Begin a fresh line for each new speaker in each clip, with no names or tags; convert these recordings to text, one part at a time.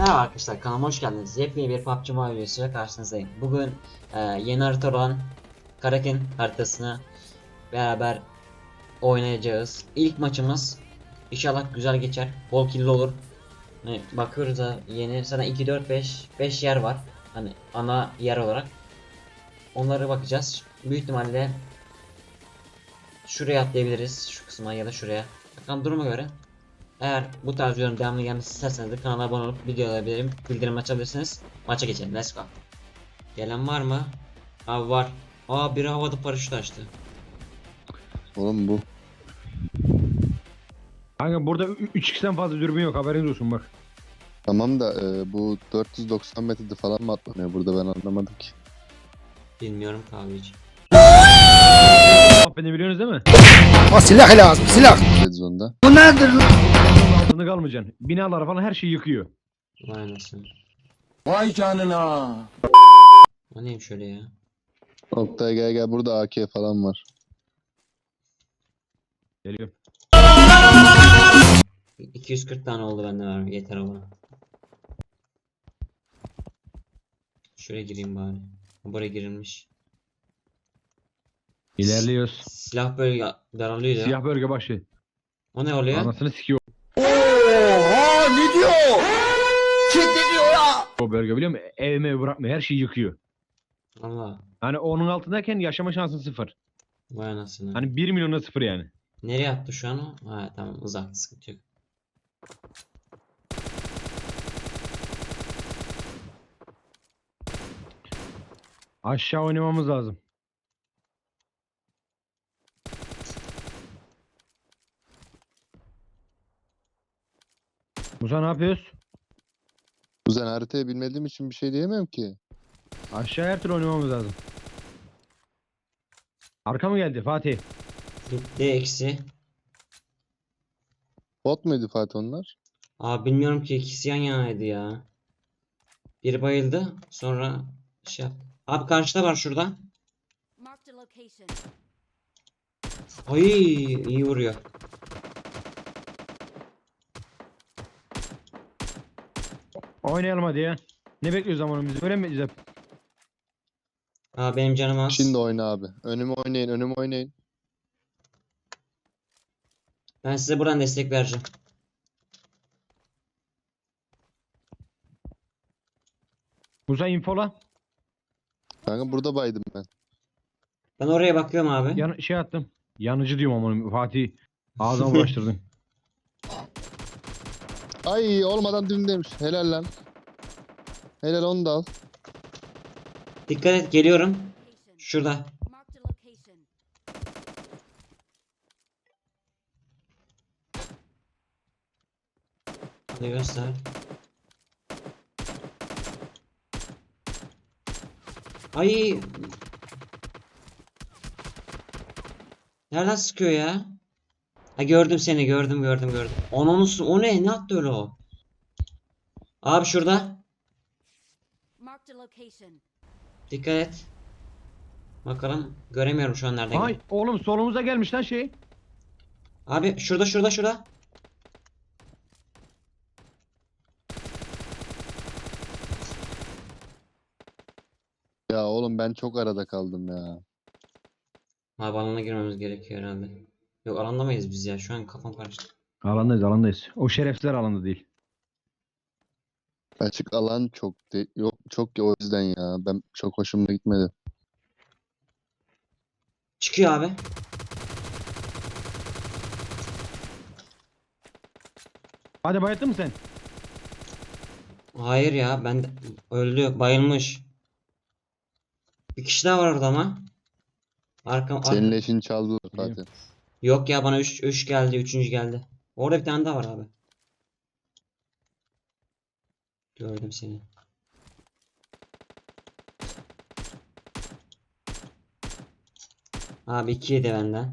Merhaba arkadaşlar, kanalıma hoş geldiniz. Yepyeni bir PUBG Mobile videosuyla karşınızdayım. Bugün yeni harita olan Kraken haritasını beraber oynayacağız. İlk maçımız inşallah güzel geçer, bol killi olur. Hani bakıyoruz da yeni sana 2 4 5 yer var. Hani ana yer olarak. Onlara bakacağız. Büyük ihtimalle şuraya atlayabiliriz, şu kısma ya da şuraya. Bakalım duruma göre. Eğer bu tarz videoların devamlı gelmesi isterseniz de kanala abone olup videoları bildirim açabilirsiniz. Maça geçelim. Let's go. Gelen var mı? Abi var. Aa, biri havada paraşüt açtı.
Oğlum bu.
Kanka burada 3x'ten fazla dürbün yok, haberiniz olsun bak.
Tamam da bu 490 metrede falan mı atlanıyor burada, ben anlamadım ki.
Bilmiyorum kahveci.
Beni biliyorsunuz değil mi?
O silah lazım, silah.
Red Zone'da.
Bu nedir?
Altında kalmayacaksın. Binalar falan her şeyi yıkıyor.
Vay anasını.
Vay canına.
O neymiş öyle ya?
Oktay gel burada AK falan var.
Geliyor.
240 tane oldu bende var. Yeter o bana. Şuraya gireyim bari. Buraya girilmiş.
İlerliyoruz.
Silah böyle daralıyor ya.
Siyah bölge başı.
O ne oluyor?
Anasını sikiyor
Oha, ne diyor? Kim diyor ya?
o bölge, biliyor musun? Evime bırakmıyor, her şeyi yıkıyor.
Allah.
Hani onun altındayken yaşama şansın sıfır.
Vay anasını.
Hani 1 milyona sıfır yani.
Nereye attı şu an o? Ha tamam, uzak, sıkıntı yok.
Aşağı oynamamız lazım. Musa ne yapıyoruz?
Kuzen, haritayı bilmediğim için bir şey diyemem ki.
Aşağı her türlü oynamamız lazım. Arka mı geldi Fatih?
Gitti eksi.
Bot muydu Fatih onlar?
Abi bilmiyorum ki, ikisi yan yanaydı ya. Biri bayıldı, sonra şey yaptı. Abi karşıda var şurada.
Marked a location.
Ay, iyi vuruyor.
Oynayalım hadi ya. Ne bekliyoruz zamanımızı? Öyle mi bekleyeceğiz hep?
Aa, benim canım az.
Şimdi oyna abi. Önüme oynayın.
Ben size buradan destek vereceğim.
Musa infola.
Kanka burada baydım ben.
Ben oraya bakıyorum abi.
Şey attım. Yanıcı diyorum ama Fatih. Ağzına uğraştırdın.
Ay, olmadan dümdeymiş. Helal lan. Helal, onu da al.
Dikkat et, geliyorum.
Location.
Şurada.
Marked a location.
Hadi göster. Ay. Nereden sıkıyor ya? Ha, gördüm seni, gördüm. O ne? Ne attı öyle o? Abi şurada.
Marked a location.
Dikkat et. Bakalım, göremiyorum şu an nereden
Ay
geldi.
oğlum solumuza gelmiş lan şey.
Abi şurada.
Ya oğlum, ben çok arada kaldım ya.
Abi alana girmemiz gerekiyor herhalde. Yok, alanda mıyız biz ya? Şu an kafam karıştı.
Alandayız. O şerefsizler alanda değil.
Açık alan yok çok ki, o yüzden ya. Ben çok hoşuma gitmedi.
Çıkıyor abi.
Hadi bayıttın mı sen?
Hayır ya, öldü, bayılmış. Bir kişi daha var orada ama.
Senin leşini çaldılar Fatih.
Yok ya, bana 3 geldi, 3. geldi. Orada bir tane daha var abi. Gördüm seni. Abi 2 yedi benden.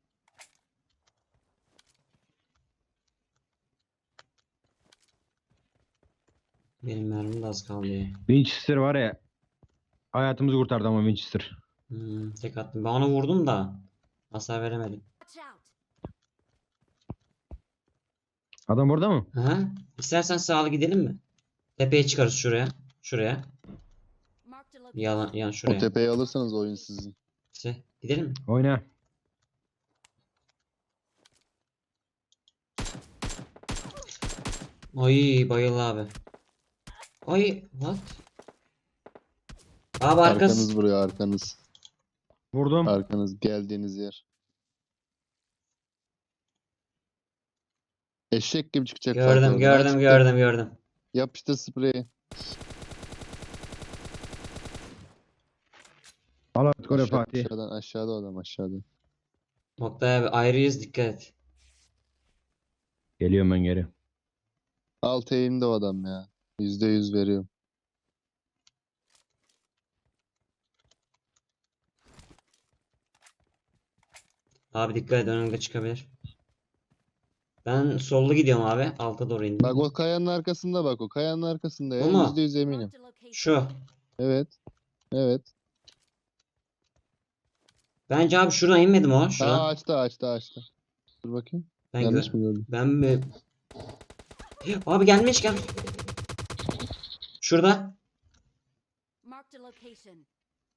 Benim mermim de az kaldı ya.
Winchester var ya. Hayatımızı kurtardı ama Winchester.
Tek attım. Ben ona vurdum da hasar veremedim.
Watch out.
Adam orada mı?
Aha. İstersen sağlı gidelim mi? Tepeye çıkarız şuraya. Şuraya.
Marked a location.
Yan
O
şuraya.
tepeyi alırsanız oyun sizin.
İşte gidelim mi?
Oyna.
Ay bayıldı abi. Ay what? Abi arkası.
Arkanız vuruyor arkanız.
Vurdum.
Arkanız geldiğiniz yer. Eşek gibi çıkacak Fatih
Gördüm
oradan.
gördüm
Çıktı.
gördüm.
Yapıştır spreyi.
Al artık oraya Fatih.
Aşağıdan aşağıda o adam aşağıda.
Oktay abi ayrıyız dikkat et.
Geliyorum ben geri.
Alt eğimde o adam ya. %100 veriyorum.
Abi dikkat et önümde çıkabilir. Ben sollu gidiyorum abi. Alta doğru indim.
Bak o kayanın arkasında bak o kayanın arkasında ya.
Bu mu?
%100 eminim.
Marked a location.
Şu.
Evet. Evet.
Bence abi şuradan inmedim o.
Aa
Şuradan.
açtı. Dur bakayım.
Ben
Yanlış
gör-
mı gördüm?
Ben mi? Abi gelmiş. Şurada.
Marked a location.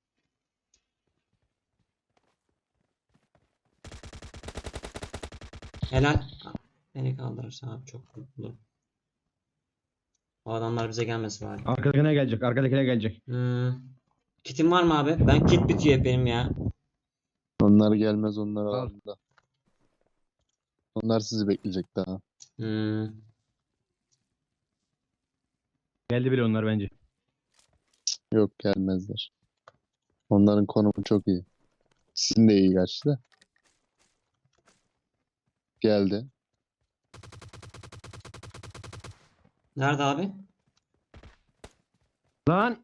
Helal. Beni kaldırırsa abi çok mutlu. O adamlar bize gelmesi bari.
Arkadakine gelecek. Arkadakine gelecek.
Kitim var mı abi? Ben kit bitiyor hep benim ya.
Onlar gelmez onlar
Al.
alanda. Onlar sizi bekleyecek daha.
Hmm.
Geldi bile onlar bence.
Yok gelmezler. Onların konumu çok iyi. Sizin de iyi gerçi de. Geldi.
Nerede abi?
Lan.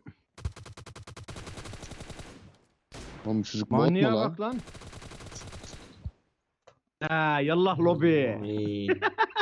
Oğlum çocuk bot mu
Manyağa
lan?
bak lan. Ha yallah lobi.
Ay.